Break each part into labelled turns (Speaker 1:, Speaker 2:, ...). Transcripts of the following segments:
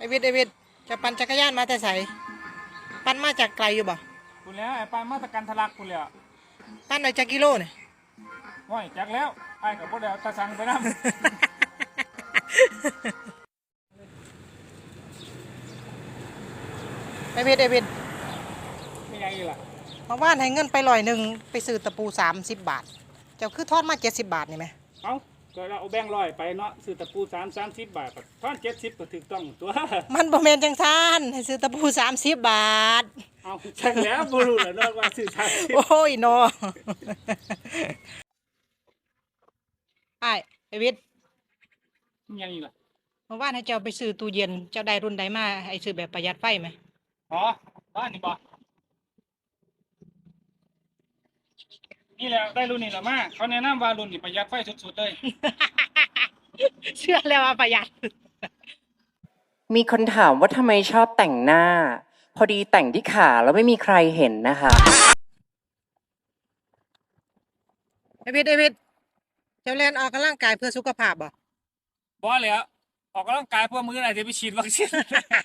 Speaker 1: ไอวิทย์จะปั่นจักรยานมาแต่ไสปั่นมาจากไกลอยู่บ่
Speaker 2: คุณแล้วไอ้ปลายมาตรการทะลักคุณแล้ว
Speaker 1: ปั่นหน่อยจากกิโลเนี่ย
Speaker 2: ห้อยจักแล้วไอ้กับพวกเดียวตาสังไปน้ำ
Speaker 1: ไอวิทย์
Speaker 2: ไม่ยังอีกล่ะ
Speaker 1: มาว่านให้เงินไป100ไปซื้อตะปู30 บาทเจ้าคือทอดมา70 บาทนี่ไหม
Speaker 2: เอาก็เราเอาแบงค์100ไปเนาะซื้อตะปู30 บาทท่อน70ก็ถูกต้องตัว
Speaker 1: มันบ่แม่นจังซั่นให้ซื้อตะปู30 บาท
Speaker 2: เอาจังแล้วบ่รู้แล้วเนาะว่าซื้อ30
Speaker 1: โอ้ยเนาะไอวิทย์
Speaker 2: ยังอีกล่ะ
Speaker 1: มาว่านให้เจ้าไปซื้อตู้เย็นเจ้าได้รุ่นใดมาให้ซื้อแบบประหยัดไฟไหม
Speaker 2: อ๋อบ้านนี่บ่นี่แหละได้รุ่นนี้แหละมาเขาแนะนำว่ารุ่นนี้ประหยัดไฟสุดๆเลย
Speaker 1: เชื่อแล้วว่าประหยัด
Speaker 3: มีคนถามว่าทำไมชอบแต่งหน้า พอดีแต่งที่ขาแล้วไม่มีใครเห็นนะคะ
Speaker 1: ไอวิทย์เจ้าเล่นออกกำลังกายเพื่อสุขภาพบ่
Speaker 2: บ่แล้วออกกำลังกายเพื่อมื้อไหนจะไปฉีดวัคซีน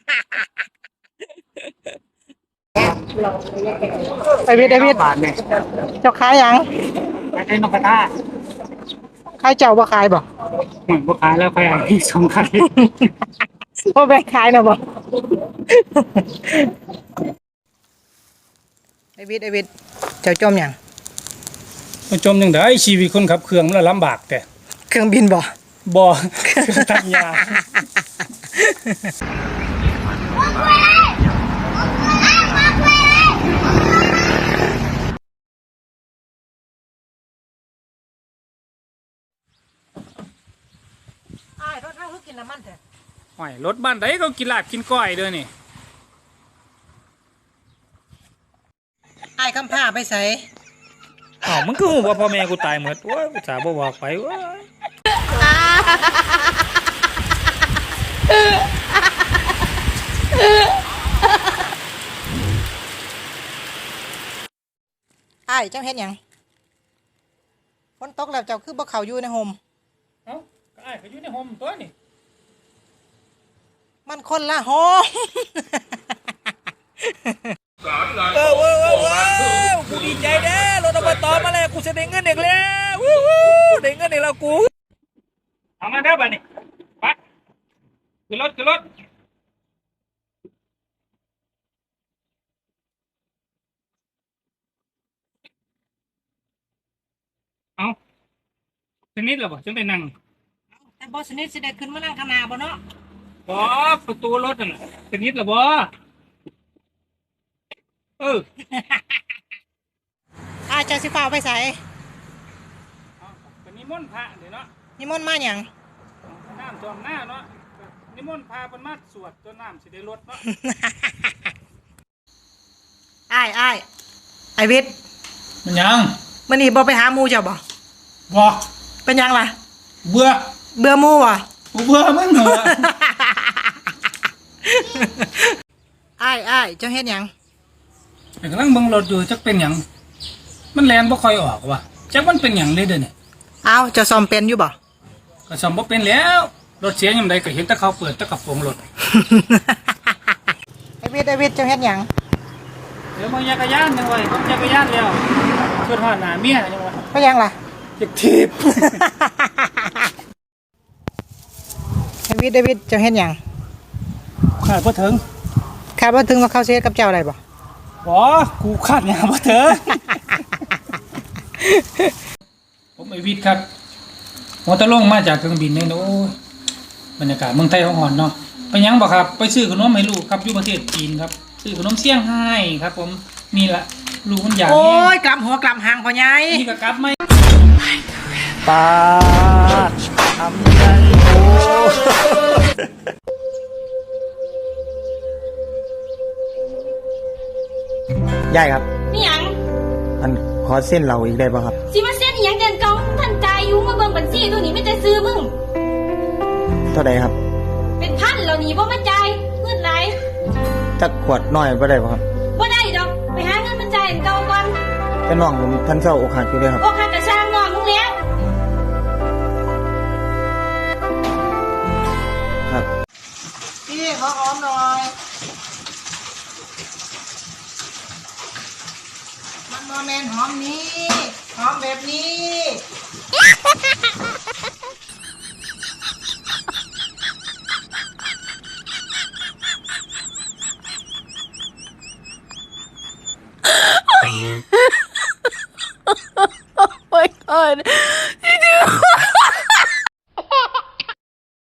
Speaker 1: ไอวิทย์เจ้าขายยัง
Speaker 2: ไปได้นกกระทา
Speaker 1: ขายเจ้าบ่ขายบ่
Speaker 2: เหมือนบ่ขายแล้วไปอันที่2ขาย
Speaker 1: บ่แบ่งขายนะบ่ไอวิทย์เจ้าจมยัง
Speaker 2: มันจมจังได๋ชีวิตคนขับเครื่องมันลำบากแต่
Speaker 1: เครื่องบินบ่
Speaker 2: เครื่องตัดหญ้า
Speaker 1: รถเฮาคือกินน้ำมันแท้
Speaker 2: ห้อยรถบ้านใดก็กินลาบกินก้อยเด้อนี่
Speaker 1: คำผ้าไปใส่
Speaker 2: อ้าวมึงคือฮู้ว่าพ่อแม่กูตายหมดโอ้ยกูสาบ่บอกไปโอ้ย
Speaker 1: เจ้าเฮ็ดหยังฝนตกแล้วเจ้าคือบ่เข้าอยู่ในโฮม
Speaker 2: เอ้าก็อ้ายก็อยู่ในโฮมตัวนี่
Speaker 1: มันคนละโฮม
Speaker 2: กูดีใจเด้รถอบตมาแล้วกูจะได้เงินอีกแล้วได้เงินอีกแล้วกูเอามาเด้อบัดนี้ไปขึ้นรถเอาสนิทแล้วบ่จังได้นั่ง
Speaker 1: แต่บ่สนิทสิได้ขึ้นมานั่งข้างหน้าบ่เนาะ
Speaker 2: บ่ประตูรถนั่นน่ะสนิทแล้วบ่
Speaker 1: เจ้าสิฟ้าไปใส่
Speaker 2: ก็นิมนต์พระเด้เนาะ
Speaker 1: นิมนต์มาหยัง
Speaker 2: น้ำจอมหน้าเนาะนิมนต์พาเพิ่นมาสวดจนน้ำสิได้ลดเนาะ
Speaker 1: ไอวิทย์
Speaker 2: มันยัง
Speaker 1: มื้อนี้บ่ไปหาหมู่เจ้าบ่เป็นหยังล่ะ
Speaker 2: เบื่อ
Speaker 1: หมู่บ่
Speaker 2: เบื่อมึงเหรอ
Speaker 1: เจ้าเฮ็ดหยัง
Speaker 2: กำลังเบิ่งรถอยู่จักเป็นหยังมันแล่นบ่ค่อยออกว่ะจักมันเป็นหยังเลยเด้อนี่
Speaker 1: เจ้าซ่อมเป็นอยู่บ่
Speaker 2: ก็ซ่อมบ่เป็นแล้วรถเสียยามใดก็เห็นแต่เขาเปิดแต่กระโปรงรถ
Speaker 1: ไอวิทย์เจ้าเฮ็ดหยัง
Speaker 2: เดี๋ยวมึงจักรยานจังไว้ผมจักรยานแล้วขึ้นฮอดหน้าเมียจังว่า
Speaker 1: เป็นหยังล่ะ
Speaker 2: จักถีบ
Speaker 1: ไอวิทย์เจ้าเฮ็ดหยัง
Speaker 2: ขาดบ่ถึง
Speaker 1: ว่าเขาสิเฮ็ดกับเจ้าได้บ่
Speaker 2: กูขาดหยังบ่ถึง ผมไอวิทย์ครับหัวตะลงมาจากเครื่องบินเนี่ยโอ้ยบรรยากาศเมืองไทยฮ้อนเนาะไปยังบ่ครับไปซื้อขนมให้ลูกครับอยู่ประเทศจีนครับซื้อขนมเซี่ยงไฮ้ครับผมนี่ล่ะลูกมันอยาก
Speaker 1: โอ้ยกลับหัวกลับหางพ่อใหญ่
Speaker 2: นี่ก็กลับมั้ย
Speaker 3: ปาดทำใจโอ้
Speaker 4: ยายครับ
Speaker 5: นี่หยัง
Speaker 4: มันขอเส้นเราอีกได้ป่ะครับ
Speaker 5: สิมาเส้นอีหยังเดินเก่าท่านจ่ายอยู่มาเบิ่งบัญชีตัวนี้ไม่ได้ซื้อมึง
Speaker 4: เท่าใดครับ
Speaker 5: เป็นพันแล้วนี่บ่มาจ่ายเงินไหล
Speaker 4: จักขวดน้อยบ่ได้ป่ะครับ
Speaker 5: บ่ได้ดอกไปหาเงินมาจ่ายอันเก่าก่อน
Speaker 4: แต่น้องผมท่านเศร้าอกหักอยู่เลยครับ
Speaker 5: อกหักกะช่างน้องมึงแล้ว
Speaker 4: ครับ
Speaker 1: พี่เขาหอมหน่อย มันโมเมนหอมนี้ หอมแบบนี้